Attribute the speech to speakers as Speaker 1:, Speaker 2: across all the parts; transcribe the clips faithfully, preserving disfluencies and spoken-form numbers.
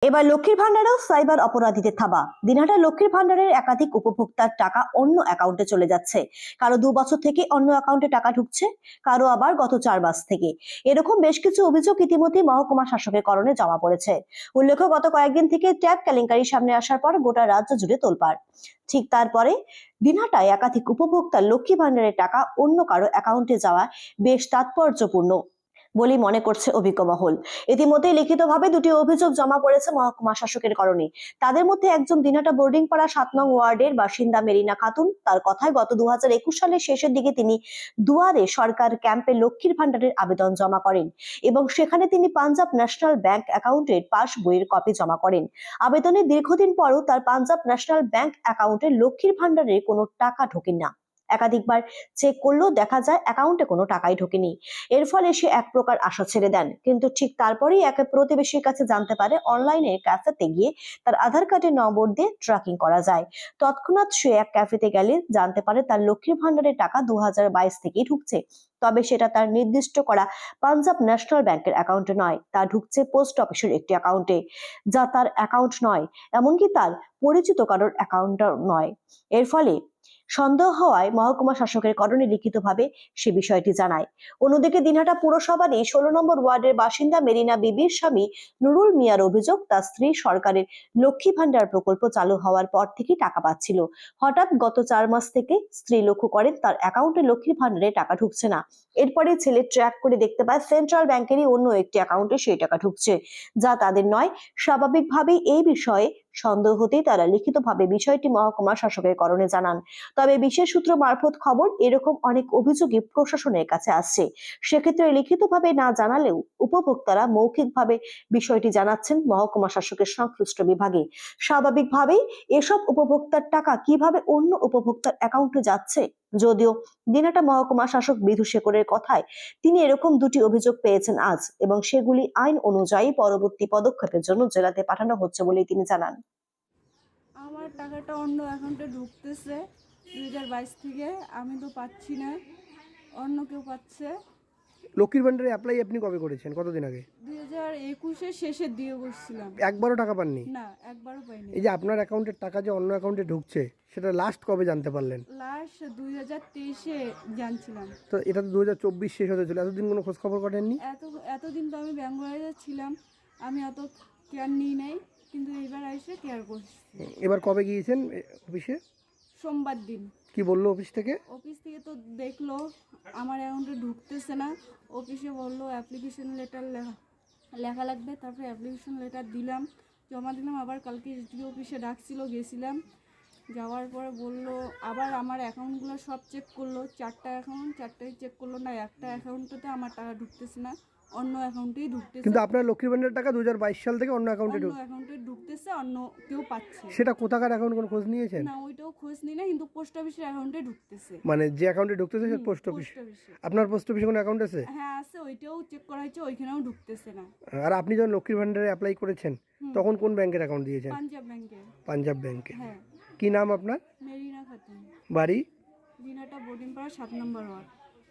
Speaker 1: এবার লক্ষ্মীর ভান্ডারেও সাইবার অপরাধীদের থাবা। দিনহাটা লক্ষ্মীর ভান্ডারের একাধিক উপভোক্তার টাকা অন্য অ্যাকাউন্টে চলে যাচ্ছে। কারো দু বছর থেকে অন্য অ্যাকাউন্টে টাকা ঢুকছে, কারো আবার গত চার মাস থেকে। এরকম বেশ কিছু অভিযোগ ইতিমধ্যে মহকুমা শাসকের করণে জমা পড়েছে। উল্লেখ্য, গত কয়েকদিন থেকে ট্যাব কেলেঙ্কারি সামনে আসার পর গোটা রাজ্য জুড়ে তোলপাড়। ঠিক তারপরে দিনহাটায় একাধিক উপভোক্তার লক্ষ্মী ভান্ডারের টাকা অন্য কারো অ্যাকাউন্টে যাওয়া বেশ তাৎপর্যপূর্ণ বলে মনে করছে অভিজ্ঞ মহল। ইতিমধ্যে লিখিতভাবে দুটি অভিযোগ জমা পড়েছে মহকুমা শাসকের করণে। তাদের মধ্যে একজন দিনহাটা বোর্ডিং পাড়া সাত নং ওয়ার্ডের বাসিন্দা মেরিনা খাতুন। তার কথায় গত দু হাজার একুশ সালের শেষের দিকে তিনি দুয়ারে সরকার ক্যাম্পে লক্ষ্মীর ভান্ডারের আবেদন জমা করেন এবং সেখানে তিনি পাঞ্জাব ন্যাশনাল ব্যাংক অ্যাকাউন্টের পাস বইয়ের কপি জমা করেন। আবেদনের দীর্ঘদিন পরও তার পাঞ্জাব ন্যাশনাল ব্যাংক অ্যাকাউন্টে লক্ষ্মীর ভান্ডারের কোনো টাকা ঢোকেন না। একাধিকবার চেক করলেও দেখা যায় অ্যাকাউন্টে কোনো টাকাই ঢোকেনি। এর ফলে সে এক প্রকার আশা ছেড়ে দেন, কিন্তু ঠিক তারপরেই এক প্রতিবেশীর কাছে জানতে পারে অনলাইনে ক্যাফেতে গিয়ে তার আধার কার্ডের নম্বর দিয়ে ট্র্যাকিং করা যায়। তৎক্ষণাৎ সে এক ক্যাফেতে গেলে জানতে পারে তার লক্ষ্মীর ভান্ডারের টাকা দু হাজার বাইশ থেকেই ঢুকছে, তবে সেটা তার নির্দিষ্ট করা পাঞ্জাব ন্যাশনাল ব্যাংকের অ্যাকাউন্টে নয়, তা ঢুকছে পোস্ট অফিসের একটি অ্যাকাউন্টে, যা তার অ্যাকাউন্ট নয়, এমনকি তার পরিচিত কারোর অ্যাকাউন্টও নয়। এর ফলে সন্দেহ হওয়ায় মহকুমা শাসকের করণে লিখিতভাবে সে বিষয়টি জানায়। অন্যদিকে দিনহাটা পুরসভারই ষোলো নম্বর ওয়ার্ডের বাসিন্দা মেরিনা বিবির স্বামী নুরুল মিয়ার অভিযোগ, তার স্ত্রী সরকারের লক্ষ্মী ভান্ডার প্রকল্প চালু হওয়ার পর থেকেই টাকা পাচ্ছিল। হঠাৎ গত চার মাস থেকে স্ত্রী লক্ষ্য করেন তার অ্যাকাউন্টে লক্ষ্মীর ভান্ডারে টাকা ঢুকছে না। এরপরে ছেলে ট্র্যাক করে দেখতে পায় সেন্ট্রাল ব্যাংকেরই অন্য একটি অ্যাকাউন্টে সেই টাকা ঢুকছে, যা তাদের নয়। স্বাভাবিকভাবেই এই বিষয়ে সন্দেহ হতেই তারা লিখিতভাবে বিষয়টি মহকুমা শাসকের করণে জানান। তবে বিশেষ সূত্র মারফত খবর, এরকম অনেক অভিযোগই প্রশাসনের কাছে আসছে। সেক্ষেত্রে লিখিতভাবে না জানালেও উপভোক্তারা মৌখিকভাবে বিষয়টি জানাচ্ছেন মহকুমা শাসকের সংশ্লিষ্ট বিভাগে। স্বাভাবিকভাবেই এসব উপভোক্তার টাকা কিভাবে অন্য উপভোক্তার অ্যাকাউন্টে যাচ্ছে, যদিও দিনহাটা মহকুমা শাসক বিধু শেখরের কথায় তিনি এরকম দুটি অভিযোগ পেয়েছেন আজ, এবং সেগুলি আইন অনুযায়ী পরবর্তী পদক্ষেপের জন্য জেলাতে পাঠানো হচ্ছে বলে তিনি জানান।
Speaker 2: আমার টাকাটা অন্য অ্যাকাউন্টে ঢুকতেছে দুই হাজার বাইশ থেকে, আমি তো পাচ্ছি না, অন্য কেউ পাচ্ছে।
Speaker 3: লক্ষ্মীর ভান্ডারে অ্যাপ্লাই আপনি কবে করেছেন, কতদিন আগে?
Speaker 2: দুই হাজার একুশের শেষের দিয়ে করছিলাম।
Speaker 3: একবারও টাকা পাননি?
Speaker 2: না, একবারও পাইনি।
Speaker 3: এই যে আপনার অ্যাকাউন্টের টাকা যে অন্য অ্যাকাউন্টে ঢুকছে, সেটা লাস্ট কবে জানতে পারলেন?
Speaker 2: লাস্ট দুই হাজার তেইশে জানছিলাম।
Speaker 3: তো এটা তো দু হাজার চব্বিশ শেষ হতে ছিল, এতদিন কোনো খোঁজ খবর করেননি?
Speaker 2: এত এতদিন তো আমি ব্যাঙ্গালোরে ছিলাম, আমি অত কেয়ার নিই নাই, কিন্তু এবার এসে কেয়ার করছি।
Speaker 3: এবার কবে গিয়েছেন অফিসে?
Speaker 2: সোমবার দিন।
Speaker 3: কি বললো অফিস থেকে?
Speaker 2: অফিস থেকে তো দেখলো আমার অ্যাকাউন্টে ঢুকতেছে না। অফিসে বললো অ্যাপ্লিকেশন লেটার লেখা লেখা লাগবে, তারপরে অ্যাপ্লিকেশন লেটার দিলাম, জমা দিলাম। আবার কালকে এসডিও অফিসে ডাকছিল, গেছিলাম। যাওয়ার পরে বললো আবার আমার অ্যাকাউন্টগুলো সব চেক করলো, চারটা অ্যাকাউন্ট চারটাই চেক করলো, না একটা অ্যাকাউন্টতে আমার টাকা ঢুকতেছে না, অন্য অ্যাকাউন্টেই ঢুকতেছে।
Speaker 3: কিন্তু আপনার লক্ষ্মীর ভান্ডারের টাকা দু হাজার বাইশ সাল থেকে অন্য অ্যাকাউন্টে
Speaker 2: অন্য
Speaker 3: ঢুক
Speaker 2: অ্যাকাউন্টে ঢুকতেছে, অন্য কেউ পাচ্ছে।
Speaker 3: সেটা কোথাকার অ্যাকাউন্ট, কোনো খোঁজ নিয়েছেন?
Speaker 2: না, ওইটাও খোঁজ নিই না, কিন্তু পোস্ট অফিসের অ্যাকাউন্টে ঢুকতেছে।
Speaker 3: মানে যে অ্যাকাউন্টে ঢুকতেছে সে পোস্ট অফিস? আপনার পোস্ট অফিসে কোনো অ্যাকাউন্ট আছে?
Speaker 2: হ্যাঁ আছে, ওইটাও চেক করা হয়েছে, ওইখানেও ঢুকতেছে না।
Speaker 3: আর আপনি যখন লক্ষ্মীর ভান্ডারে অ্যাপ্লাই করেছেন তখন কোন ব্যাংকের অ্যাকাউন্ট দিয়েছেন?
Speaker 2: পাঞ্জাব ব্যাংকে।
Speaker 3: পাঞ্জাব ব্যাংকে।
Speaker 2: হ্যাঁ।
Speaker 3: কি নাম আপনার?
Speaker 2: মেরিনা খাতুন,
Speaker 3: বাড়ি?
Speaker 2: দিনহাটা বোর্ডিং পাড়া সাত নম্বর ওয়ার্ড।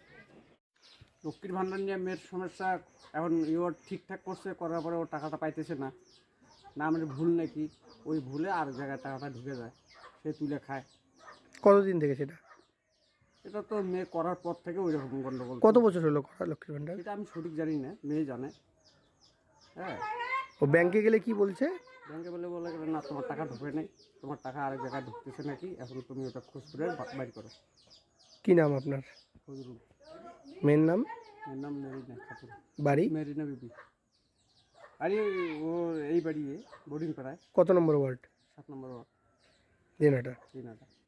Speaker 4: লক্ষ্মীর ভান্ডার নিয়ে মেয়ের সমস্যা, এখন ইওর ঠিকঠাক করছে, করার পরে ও টাকাটা পাইতেছে না, না আমাদের ভুল নাকি, ওই ভুলে আর জায়গায় টাকাটা ঢুকে যায়, সে তুলে খায়।
Speaker 3: কতদিন থেকে সেটা?
Speaker 4: এটা তো মেয়ে করার পর থেকে ওই রকম গন্ডগোল।
Speaker 3: কত বছর হলো করা লক্ষ্মীর ভান্ডার?
Speaker 4: এটা আমি সঠিক জানি না, মেয়ে জানে। হ্যাঁ,
Speaker 3: ও ব্যাংকে গেলে কি বলছে?
Speaker 4: ব্যাংকে বলে বলে না তোমার টাকা ঢুকে নেই, তোমার টাকা আরেক জায়গায় ঢুকতেছে নাকি, এখন তুমি ওটা খোঁজ করে বাইর করো।
Speaker 3: কি নাম আপনার?
Speaker 4: ফজরুল।
Speaker 3: মেয়ের নাম?
Speaker 4: মেয়ের নাম মেরিনা খাতুন।
Speaker 3: বাড়ি?
Speaker 4: মেরিনা বিবি। আরে ও এই বাড়ি বোর্ডিং পাড়ায়।
Speaker 3: কত নম্বর ওয়ার্ড?
Speaker 4: সাত নম্বর ওয়ার্ড,
Speaker 3: দিনহাটা।
Speaker 4: দিনহাটা।